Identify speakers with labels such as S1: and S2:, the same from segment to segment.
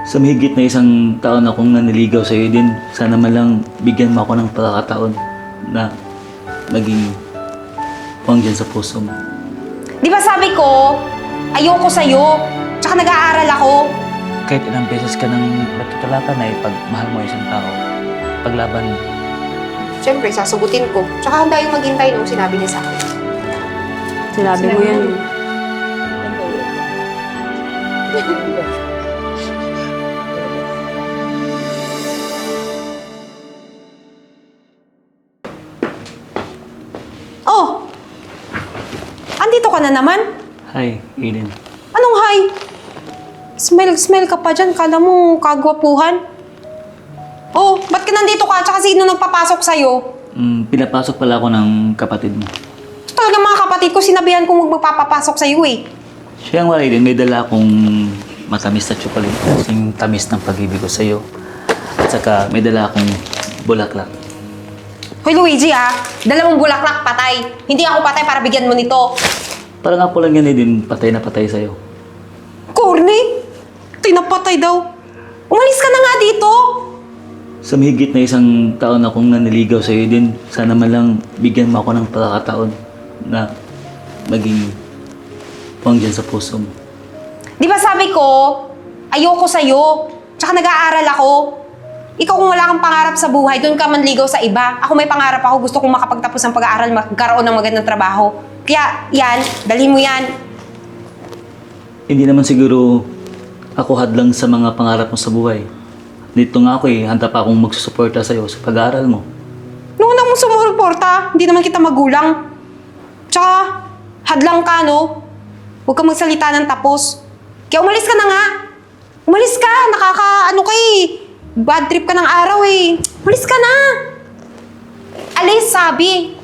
S1: Sa mahigit na isang taon akong naniligaw sa iyo din, sana man lang bigyan mo ako ng pagkakataon na maging puwang dyan sa puso mo.
S2: Di ba sabi ko, ayoko sa'yo, tsaka nag-aaral ako.
S1: Kahit ilang beses ka nang nagtutulakan na ipagmahal mo isang tao, paglaban mo.
S2: Siyempre, sasagutin ko. Tsaka handa yung maghintay nung sinabi niya sa akin.
S3: Sinabi mo yan.
S2: Oh! Andito ka na naman?
S1: Hi, Aiden.
S2: Anong hi? Smell ka pa dyan. Kala mo kagwapuhan. Oh, ba't ka nandito ka? Tsaka sino nagpapasok sa'yo?
S1: Pinapasok pala ako ng kapatid mo.
S2: Talaga mga kapatid ko, sinabihan kong magpapapasok sa'yo eh.
S1: Siya nga, Aiden, may dala akong matamis na chocolate. Yung tamis ng pag-ibig ko sa'yo. At saka may dala akong bulaklak.
S2: Hoy Luigi dala mong bulaklak, patay. Hindi ako patay para bigyan mo nito.
S1: Parang nga po lang yan, Aiden, patay na patay sa'yo.
S2: Corny! Tinapatay daw. Umalis ka na nga dito.
S1: Sa mahigit na isang taon akong naniligaw sa iyo din, sana man lang bigyan mo ako ng pagkakataon na maging puwang dyan sa puso mo.
S2: Di ba sabi ko, ayoko sa'yo. Tsaka nag-aaral ako. Ikaw kung wala kang pangarap sa buhay, doon ka manligaw sa iba. Ako may pangarap ako, gusto kong makapagtapos ng pag-aaral, magkaroon ng magandang trabaho. Kaya yan, dalhin mo yan.
S1: Hindi naman siguro ako hadlang sa mga pangarap mo sa buhay. Dito nga ako handa pa akong magsusuporta sa'yo sa pag-aaral mo.
S2: Noong unang mong sumuporta, hindi naman kita magulang. Tsaka, hadlang ka, no? Huwag kang magsalita ng tapos. Kaya umalis ka na nga. Umalis ka, ano ka eh. Bad trip ka ng araw eh. Umalis ka na. Alis, sabi.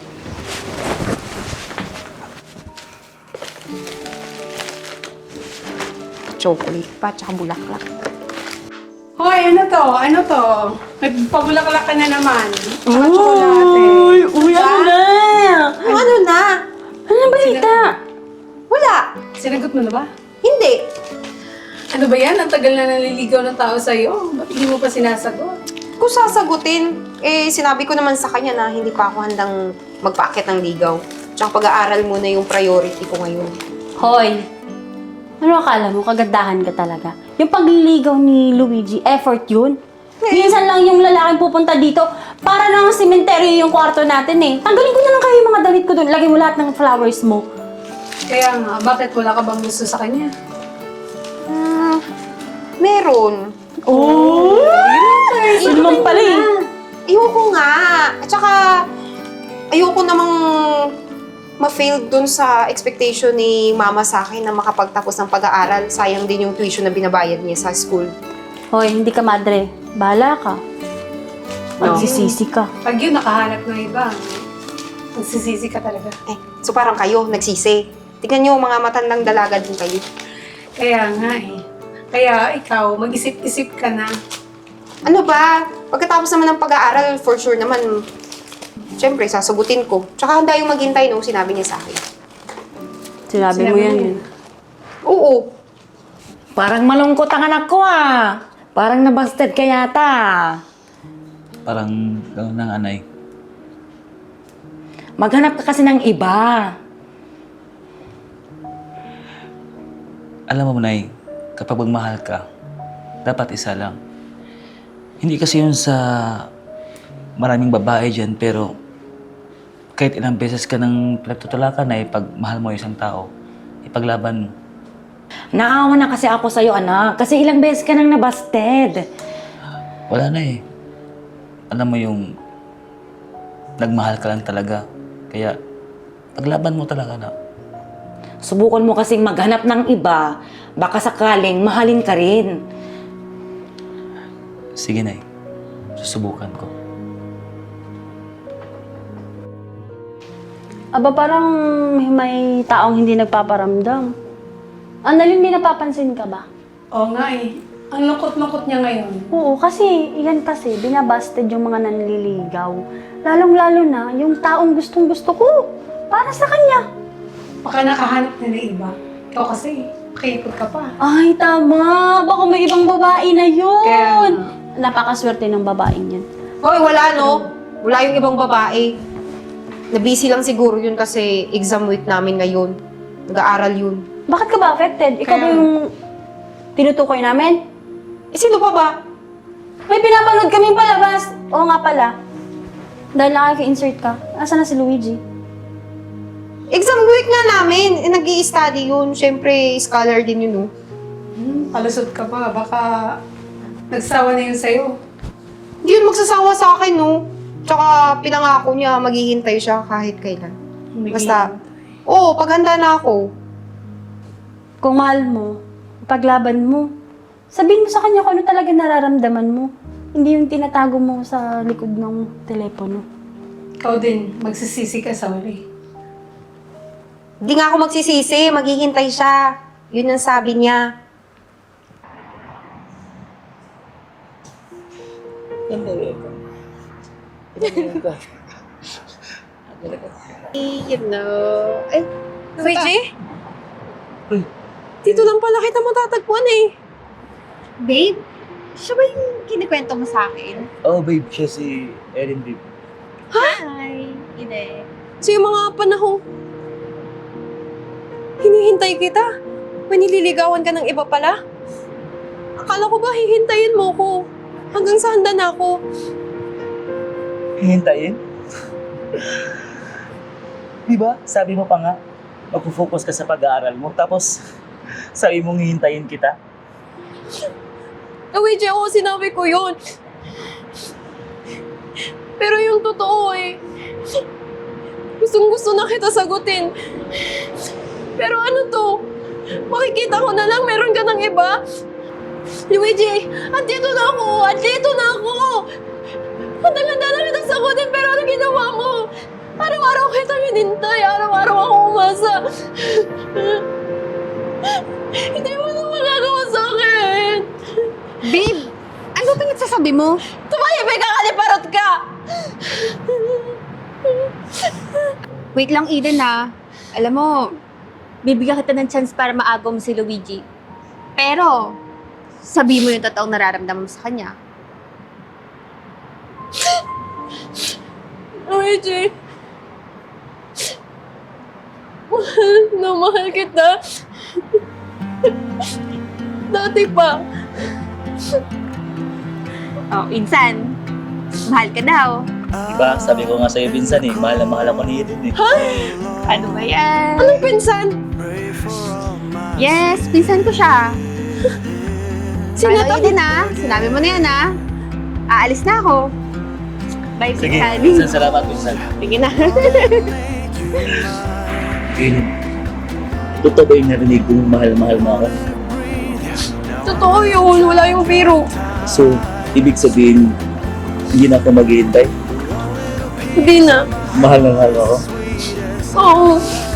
S2: Chocolate pa, tsaka bulaklak.
S3: Hoy, ano to? Ano to? Nagpabulaklak ka na naman. Tsaka tsokolate.
S4: Uy, ano na?
S2: Ano na?
S4: Ano na balita?
S2: Wala.
S3: Sinagot mo na ba?
S2: Hindi.
S3: Ano ba yan? Ang tagal na naliligaw ng tao sa'yo. Ba't hindi mo pa sinasagot?
S2: Kung sasagutin, sinabi ko naman sa kanya na hindi pa ako handang magpaakit ng ligaw. Tsaka pag-aaral muna yung priority ko ngayon.
S4: Hoy, ano akala mo? Kagandahan ka talaga. Yung pagliligaw ni Luigi, effort yun. Minsan lang yung lalaking pupunta dito, para nang sementeryo yung kwarto natin eh. Tanggalin ko na lang kayo yung mga damit ko doon. Lagay mo lahat ng flowers mo.
S3: Kaya nga, bakit wala ka bang gusto sa kanya?
S2: Meron.
S4: Oh! Yun naman pala eh.
S2: Ayoko nga. At saka, ayoko namang ma-fail dun sa expectation ni mama sa akin na makapagtapos ng pag-aaral. Sayang din yung tuition na binabayad niya sa school.
S4: Hoy, hindi ka madre. Bahala ka. Magsisisi ka.
S3: Pag yun, nakahanap ng iba. Nagsisisi ka talaga.
S2: So parang kayo, nagsisi. Tignan niyo, mga matandang dalaga din kayo.
S3: Kaya nga eh. Kaya ikaw, mag-isip-isip ka na.
S2: Ano ba? Pagkatapos naman ng pag-aaral, for sure naman, syempre, sasagutin ko. Tsaka handa yung maghintay nung sinabi niya sa akin.
S4: Sinabi mo yan.
S2: Oo.
S5: Parang malungkot ang anak ko Parang nabasted ka yata.
S1: Parang gano'n ng anay.
S5: Maghanap ka kasi ng iba.
S1: Alam mo, Nay, kapag magmahal ka, dapat isa lang. Hindi kasi yun sa maraming babae dyan, pero kahit ilang beses ka nang pinagtutulakan na ipagmahal mo isang tao, ipaglaban mo.
S5: Naawa na kasi ako sa'yo, anak. Kasi ilang beses ka nang nabasted.
S1: Wala na eh. Alam mo yung nagmahal ka lang talaga. Kaya paglaban mo talaga na.
S5: Subukan mo kasing maghanap ng iba. Baka sakaling mahalin ka rin.
S1: Sige, Nay. Susubukan ko.
S4: Aba, parang may taong hindi nagpaparamdam. Annalyn, hindi napapansin ka ba?
S3: Oo nga eh. Ang lungkot-lungkot niya ngayon.
S4: Oo, kasi yan kasi, binabasted yung mga nanliligaw. Lalong-lalo na yung taong gustong-gusto ko para sa kanya.
S3: Baka nakahanap na ng iba. Ikaw kasi, Kipot ka pa.
S4: Ay, tama. Baka may ibang babae na yun.
S3: Kaya
S4: Napakaswerte ng babaeng yun.
S2: Hoy, wala no. Wala yung ibang babae. Nabisi lang siguro yun kasi exam week namin ngayon. Nag-aaral yun.
S4: Bakit ka ba affected? Ikaw ba
S3: Kaya-
S4: yung tinutukoy namin?
S2: Eh, sino pa ba?
S4: May pinapanood kaming palabas. Oo nga pala. Dahil nakaka-insert ka. Asa na si Luigi?
S2: Exam week nga namin. Eh, nag-i-study yun. Siyempre, scholar din yun, no?
S3: Palusot ka pa. Baka nagsawa na yun sa'yo.
S2: Hindi yun magsasawa sa akin, no? Tsaka pinangako niya, maghihintay siya kahit kailan. Basta, oo, paghanda na ako.
S4: Kung mahal mo, paglaban mo, sabihin mo sa kanya kung ano talaga nararamdaman mo. Hindi yung tinatago mo sa likod ng telepono.
S3: Ikaw din, magsisisi ka sa uli.
S2: Hindi nga ako magsisisi, maghihintay siya. Yun ang sabi niya. You know. Eh, Luigi?
S1: Uy.
S2: Dito lang pala kita matatagpuan eh.
S6: Babe, siya ba yung kinikwento mo sa akin?
S1: Oh, babe, siya si Erin, babe.
S6: Hi! Ine.
S2: So yung mga panahong hinihintay kita, manililigawan ka ng iba pala? Akala ko ba hihintayin mo ko hanggang sa handa na ako?
S1: Hihintayin? Di ba? Sabi mo pa nga, mag-focus ka sa pag-aaral mo. Tapos, sabi mong hihintayin kita.
S2: Luigi, ako sinabi ko yun. Pero yung totoo eh, gustong-gusto na kita sagutin. Pero ano to? Makikita ko na lang meron ka ng iba? Luigi, andito na ako! Andito na ako! Handa-handa na kita sagutin, pero ano ginawa mo? Araw-araw kita hinintay, araw-araw ako umasa. Hindi mo na magagawa sa akin.
S6: Babe, ano pinagsasabi mo?
S2: Tumahimik ka, kaliparot ka!
S6: Wait lang, Eden ha. Alam mo, bibigyan kita ng chance para maagaw mo si Luigi. Pero, sabi mo yung totoong nararamdaman mo sa kanya.
S2: Luigi, mahal na mahal kita. Dati pa.
S6: Oh, insan, mahal ka daw.
S1: Diba? Sabi ko nga sa'yo, Vincent eh, mahal na mahal ako ni Erin eh.
S6: Ano ba yan?
S2: Anong pinsan?
S6: Yes, pinsan ko siya.
S2: Sino
S6: Paano,
S2: to?
S6: Eden ha? Sinabi mo na yan ha? Aalis na ako. Bye,
S1: Sige,
S6: pinsan.
S1: Vincent, salamat, Vincent.
S2: Sige na.
S1: Erin, totoo ba yung narinig kong mahal-mahal mo ako?
S2: Totoo yun, wala yung biro.
S1: So, ibig sabihin, hindi na ako maghihintay?
S2: Hindi na.
S1: Mahal na mahal mo ako?
S2: Oo.